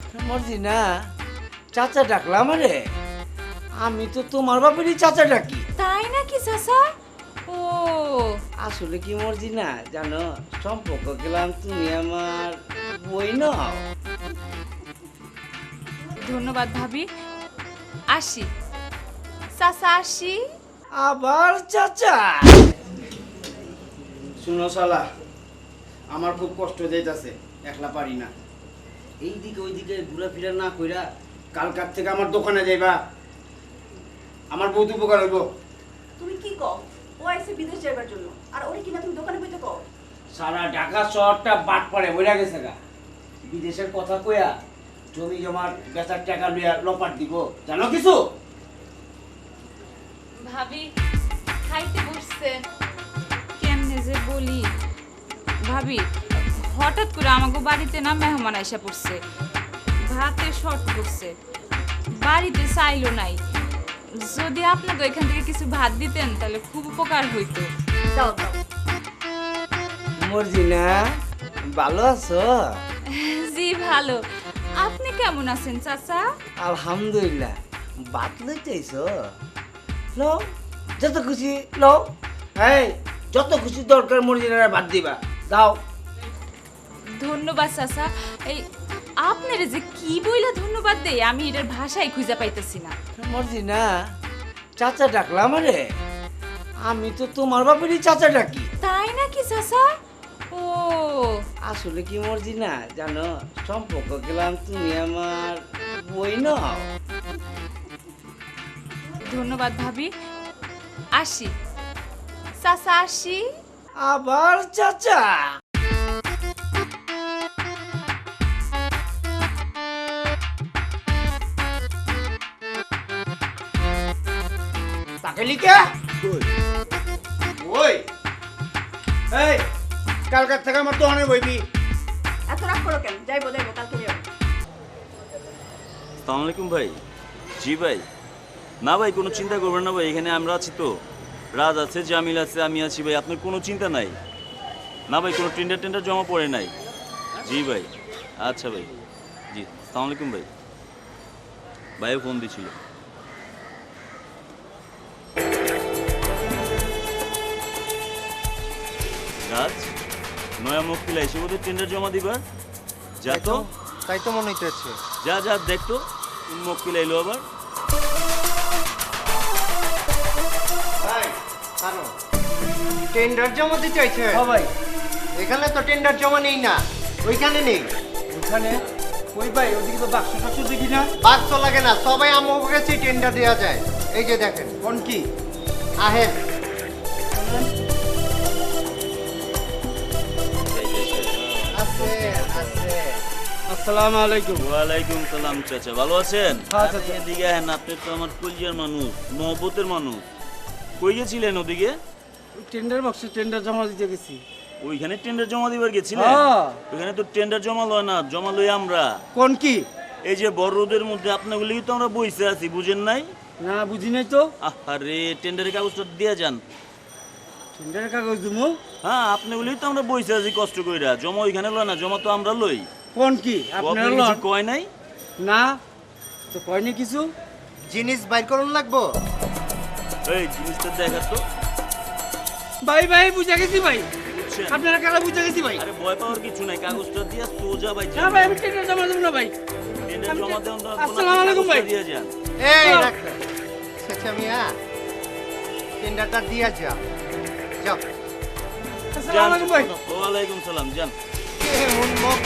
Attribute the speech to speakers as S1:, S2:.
S1: মর্জি না চাচা ডাকলাম রে। আমি তো তোমার বাপেরই চাচা ডাকি।
S2: তাই নাকি চাচা? ও
S1: আসলে কি মর্জি না জানো, সম্পর্ক গেলাম তুমি আমার বই নাও।
S2: ধন্যবাদ ভাবি। আসি চাচা, আসি।
S1: আবার চাচা? শুনো শালা, আমার খুব কষ্ট যাইতাছে, একলা পারি না। এইদিকে ওইদিকে ঘোরাফেরা না কইরা কালকার থেকে আমার দোকানে যাইবা, আমার বহুত উপকার হইব।
S3: তুমি কি কও? ও আইছে বিদেশ যাবার জন্য, আর ওরে কিনা তুমি দোকানে বইতে কও?
S1: সারা ঢাকা শহরটা বাট পড়ে বইরা গেছে গা। বিদেশের কথা কইয়া জমি জমার বেচার টাকা লইয়া লপাট দিব, জানো কিছু?
S2: ভাবি খাইতে বসছে। কেমনে যে বলি ভাবি, হঠাৎ করে আমাকে বাড়িতে না মেহমান আইসা পড়ছে, ভাতে শর্ট পড়ছে, বাড়িতে চাইলো নাই। যদি আপনাকে এখান থেকে কিছু ভাত দিতেন তাহলে খুব উপকার হইতো।
S3: দাও দাও।
S1: মর্জিনা ভালো আছো?
S2: জি ভালো। আপনি কেমন আছেন চাচা?
S1: আলহামদুলিল্লাহ। বাত লইতেছো? লও, যত খুশি লও। এই যত খুশি দরকার মর্জিনারা বাদ দিবা, দাও।
S2: ধন্যবাদ চাচা। এই আপনারে যে কি বইলা ধন্যবাদ দেই আমি এটার ভাষায় খুঁজে পাইতেছি না।
S1: মর্জিনা চাচা ডাকলাম রে। আমি তো তোমার বাপেরই চাচা ডাকি।
S2: তাই নাকি চাচা? ও
S1: আসলে কি মর্জিনা জানো, সম্পর্ক গেলাম তুমি আমার বই নাও।
S2: ধন্যবাদ ভাবি। আসি চাচা, আসি।
S1: আবার চাচা? তাকে লিখে ওই এই কালকার থেকে আমার দোকানে বইবি।
S3: এত রাগ করো কেন? যাইবো যাইবো, কালকে যাবো।
S4: আসসালামু আলাইকুম ভাই। জি ভাই। না ভাই কোনো চিন্তা করবেন না ভাই, এখানে আমরা আছি তো, রাজ আছে, জামিল আছে, আমি আছি ভাই, আপনার কোনো চিন্তা নাই। না ভাই কোনো টেন্ডার জমা পড়ে নাই। জি ভাই। আচ্ছা ভাই। জি আসসালামু আলাইকুম ভাই। ভাইও ফোন দিছিল। রাজ নয়া মুক্তি লাইছে ওদের টেন্ডার জমা দিবার। যা তো,
S5: তাই তো মনে হইতেছে।
S4: যা যা দেখতো মুক্তি লাইলো আবার।
S5: টেন্ডার জমা দিতে চাইছে?
S1: ভাই
S5: এখানে তো টেন্ডার জমা নেই না, ওইখানে নেই।
S1: ওখানে ওই ভাই ওদিকে তো বাক্স টাক্স দেখি না।
S5: বাক্স লাগে না, সবাই আমার কাছে টেন্ডার দেওয়া যায়। এই যে দেখেন
S1: কোন কি?
S5: আহেন। আছে আছে।
S1: আসসালামু আলাইকুম।
S4: ওয়ালাইকুম সালাম চাচা, ভালো আছেন?
S1: হ্যাঁ চাচা।
S4: এদিকে হ্যাঁ, আপনি তো আমার কলজিয়ার মানুষ, মহব্বতের মানুষ। কই গেছিলেন ওদিকে?
S1: টেন্ডার বক্সে টেন্ডার জমা দিতে গেছি।
S4: ওইখানে টেন্ডার জমা দিবার গেছিলেন?
S1: হ্যাঁ।
S4: ওইখানে তো টেন্ডার জমা লয় না, জমা লই আমরা।
S1: কোন কি?
S4: এই যে বড় রোদের মধ্যে আপনাগুলি তো আমরা বইসে আছি, বুঝেন নাই?
S1: না বুঝি নাই তো।
S4: আরে টেন্ডারের কাগজটা দিয়ে যান।
S1: টেন্ডারের কাগজ দিমু?
S4: হ্যাঁ আপনাগুলি তো আমরা বইসে আছি কষ্ট কইরা, জমা ওইখানে লয় না, জমা তো আমরা লই।
S1: কোন কি?
S4: আপনার
S1: আপনার
S4: কিছু
S1: লন?
S4: কয় নাই?
S1: না তো কয়নি কিছু।
S5: জিনিস বাইর করুন লাগবো।
S4: এই জিনিসটা দেখা তো।
S1: ভাই ভাই বুঝা গেছি ভাই,
S4: বুঝছেন?
S1: আপনারা কারা বুঝা গেছি ভাই।
S4: আরে ভয় পাওয়ার কিছু নাই, কাগজটা দিয়া সোজা ভাই
S1: না ভাই আমি টেন্ডার জমা দেবো না ভাই।
S4: টেন্ডার জমা দেন তো,
S1: আসসালামু আলাইকুম ভাই।
S4: দিয়ে যান।
S5: এই রাখো। আচ্ছা মিয়া, টেন্ডারটা দিয়া যাও। যাও।
S1: আসসালামু আলাইকুম ভাই।
S4: ওয়ালাইকুম সালাম, যান।
S5: এমন মুখ